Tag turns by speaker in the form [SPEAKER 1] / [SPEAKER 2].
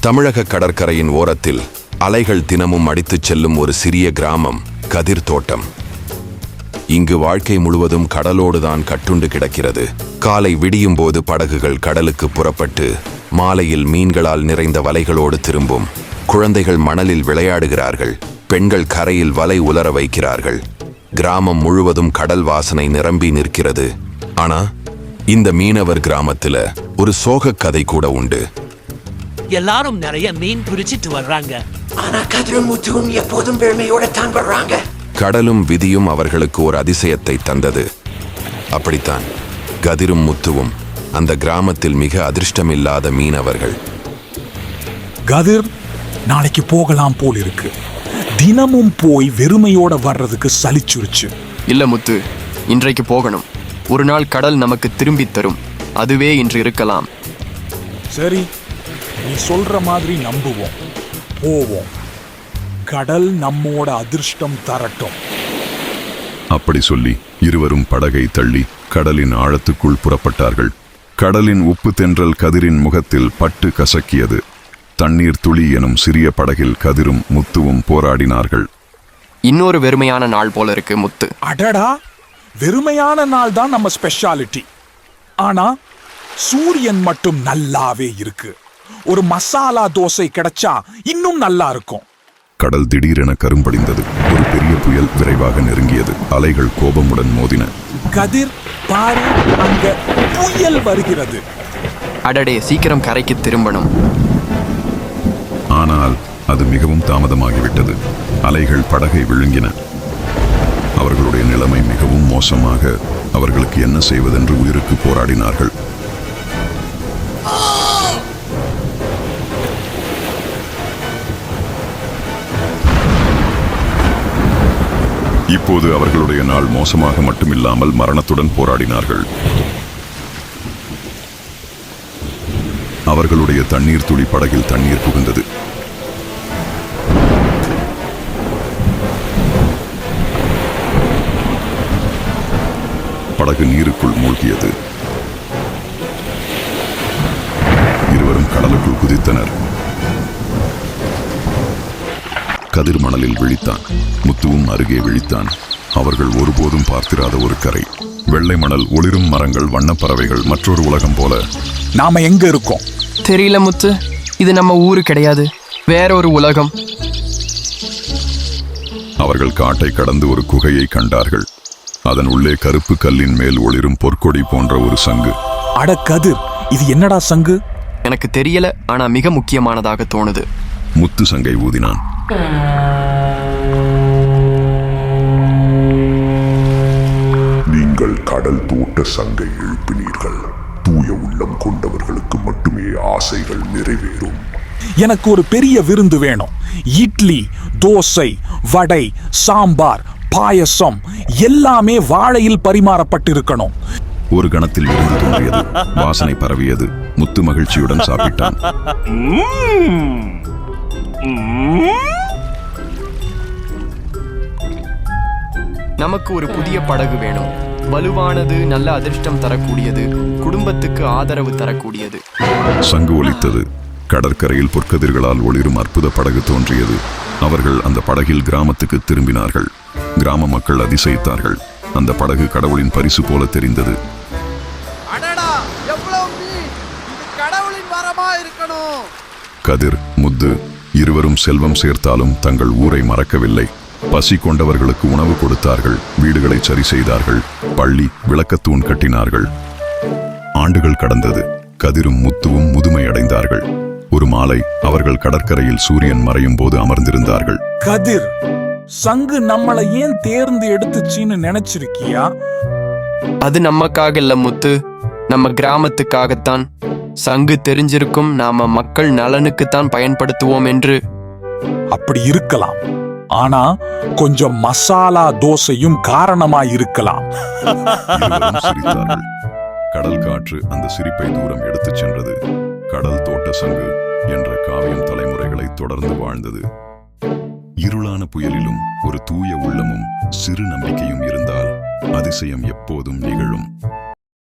[SPEAKER 1] தமிழக கடற்கரையின் ஓரத்தில் அலைகள் தினமும் அடித்துச் செல்லும் ஒரு சிறிய கிராமம் கதிர் தோட்டம். இங்கு வாழ்க்கை முழுவதும் கடலோடுதான் கட்டுண்டு கிடக்கிறது. காலை விடியும் போது படகுகள் கடலுக்கு புறப்பட்டு மாலையில் மீன்களால் நிறைந்த வலைகளோடு திரும்பும். குழந்தைகள் மணலில் விளையாடுகிறார்கள், பெண்கள் கரையில் வலை உலர வைக்கிறார்கள். கிராமம் முழுவதும் கடல் வாசனை நிரம்பி நிற்கிறது. ஆனா இந்த மீனவர் கிராமத்துல ஒரு சோக கதை கூட உண்டு.
[SPEAKER 2] எல்லாரும் நிறைய மீன் பிடிச்சிட்டு வர்றாங்க,
[SPEAKER 3] ஆனா கதிரும் முத்துவும் எப்போதும் பெருமையோட தான் வர்றாங்க.
[SPEAKER 1] கடலும் விதியும் அவர்களுக்கு ஒரு அதிசயத்தை தந்தது. அப்படித்தான் கதிரும் முத்துவும் அந்த கிராமத்தில் மிக அதிர்ஷ்டமில்லாத மீனவர்கள்.
[SPEAKER 4] கதிர், நாளைக்கு போகலாம் போல் இருக்கு. தினமும் போய் வெறுமையோட வர்றதுக்கு சலிச்சுருச்சு.
[SPEAKER 5] இல்ல முத்து, இன்றைக்கு போகணும். ஒரு நாள் கடல் நமக்கு திரும்பி தரும். அதுவே இன்று இருக்கலாம்.
[SPEAKER 4] சரி, நீ சொல்ற மாதிரி நம்புவோம், போவோம். கடல் நம்மோட அதிர்ஷ்டம் தரட்டும்.
[SPEAKER 6] அப்படி சொல்லி இருவரும் படகை தள்ளி கடலின் ஆழத்துக்குள் புறப்பட்டார்கள். கடலின் உப்பு தென்றல் கதிரின் முகத்தில் பட்டு கசக்கியது. தண்ணீர் துளி எனும் சிறிய படகில் கதிரும் முத்துவும் போராடினார்கள்.
[SPEAKER 5] இன்னொரு வெறுமையான நாள் போல இருக்கு முத்து.
[SPEAKER 4] அடடா, வெறுமையான நாள் தான் நம்ம ஸ்பெஷாலிட்டி. ஆனா சூரியன் மட்டும் நல்லாவே இருக்கு. ஒரு மசாலா தோசை கிடைச்சா இன்னும் நல்லா இருக்கும்.
[SPEAKER 6] கடல் திடீரென கரும்படிந்தது. ஒரு பெரிய புயல் விரைவாக நெருங்கியது. அலைகள் கோபமுடன் மோதின.
[SPEAKER 4] கதிர், பாரு, அங்க புயல் வருகிறது.
[SPEAKER 5] அடடே, சீக்கிரம் கரைக்கு திரும்பணும்.
[SPEAKER 6] ஆனால் அது மிகவும் தாமதமாகிவிட்டது. அலைகள் படகை விழுங்கின. அவர்களுடைய நிலைமை மிகவும் மோசமாக. அவர்களுக்கு என்ன செய்வதென்று உயிருக்கு போராடினார்கள். இப்போது அவர்களுடைய நாள் மோசமாக மட்டுமில்லாமல் மரணத்துடன் போராடினார்கள். அவர்களுடைய தண்ணீர் துளி படகில் தண்ணீர் புகுந்தது. படகு நீருக்குள் மூழ்கியது. இருவரும் கடலுக்குள் குதித்தனர். கதிர் மணலில் விழித்தான். முத்துவும் அருகே விழித்தான். அவர்கள் ஒருபோதும் பார்த்திராத ஒரு கரை. வெள்ளை மணல், ஒளிரும் மரங்கள், வண்ணப்பறவைகள், மற்றொரு உலகம் போல.
[SPEAKER 4] நாம எங்க இருக்கோம்?
[SPEAKER 5] தெரியல முத்து, இது நம்ம ஊரு கிடையாது, வேற ஒரு உலகம்.
[SPEAKER 6] அவர்கள் காட்டை கடந்து ஒரு குகையை கண்டார்கள். அதன் உள்ளே கருப்பு கல்லின் மேல் ஒளிரும் பொற்கொடி போன்ற ஒரு சங்கு.
[SPEAKER 4] அட கதிர், இது என்னடா சங்கு?
[SPEAKER 5] எனக்கு தெரியல, ஆனா மிக முக்கியமானதாக தோணுது.
[SPEAKER 6] முத்து சங்கை ஊதினான்.
[SPEAKER 7] நீங்கள் கடல் தோட்ட சங்கை எழுப்பினீர்கள். தூய உள்ளம் கொண்டவர்களுக்கு மட்டுமே ஆசைகள் நிறைவேறும்.
[SPEAKER 4] எனக்கு ஒரு பெரிய விருந்து வேணும். இட்லி, தோசை, வடை, சாம்பார், பாயசம் எல்லாமே வாழையில் பரிமாறப்பட்டிருக்கணும்.
[SPEAKER 6] ஒரு கணத்தில் விருந்து தோன்றியது. வாசனை பரவியது. முத்து மகிழ்ச்சியுடன் சாப்பிட்டான்.
[SPEAKER 5] நமக்கு ஒரு புதிய படகு வேணும். வலுவானது, நல்ல அதிர்ஷ்டம் தரக்கூடியது, குடும்பத்துக்கு ஆதரவு தரக்கூடியது.
[SPEAKER 6] சங்கு ஒலித்தது. கடற்கரையில் பொற்கதிர்களால் ஒளிரும் அற்புத படகு தோன்றியது. அவர்கள் அந்த படகில் கிராமத்துக்கு திரும்பினார்கள். கிராம மக்கள் அதிசயித்தார்கள். அந்த படகு கடவுளின் பரிசு போல தெரிந்தது. கதிர், முத்து இருவரும் செல்வம் சேர்த்தாலும் தங்கள் ஊரை மறக்கவில்லை. பசி கொண்டவர்களுக்கு உணவு கொடுத்தார்கள். வீடுகளை சரி செய்தார்கள். பள்ளி, விளக்கத்தூண் கட்டினார்கள். ஆண்டுகள் கடந்தது. கதிரும் முத்துவும் முதுமை அடைந்தார்கள். ஒரு மாலை அவர்கள் கடற்கரையில் சூரியன் மறையும் போது அமர்ந்திருந்தார்கள்.
[SPEAKER 4] கதிர், சங்கு நம்மளை ஏன் தேர்ந்து எடுத்துச்சின்னு நினைச்சிருக்கியா?
[SPEAKER 5] அது நமக்காக இல்ல முத்து, நம்ம கிராமத்துக்காகத்தான். சங்கு தெரிஞ்சிருக்கும், நாம மக்கள் நலனுக்குத்தான் பயன்படுத்துவோம் என்று.
[SPEAKER 4] அப்படி இருக்கலாம், ஆனா கொஞ்சம் மசாலா தோசையும் காரணமாயிருக்கலாம்.
[SPEAKER 6] கடல் காற்று அந்த சிரிப்பை தூரம் எடுத்துச் சென்றது. கடல் தோட்ட சங்கு என்ற காவியம் தலைமுறைகளை தொடர்ந்து வாழ்ந்தது. இருளான புயலிலும் ஒரு தூய உள்ளமும் சிறு நம்பிக்கையும் இருந்தால் அதிசயம் எப்போதும் நிகழும்.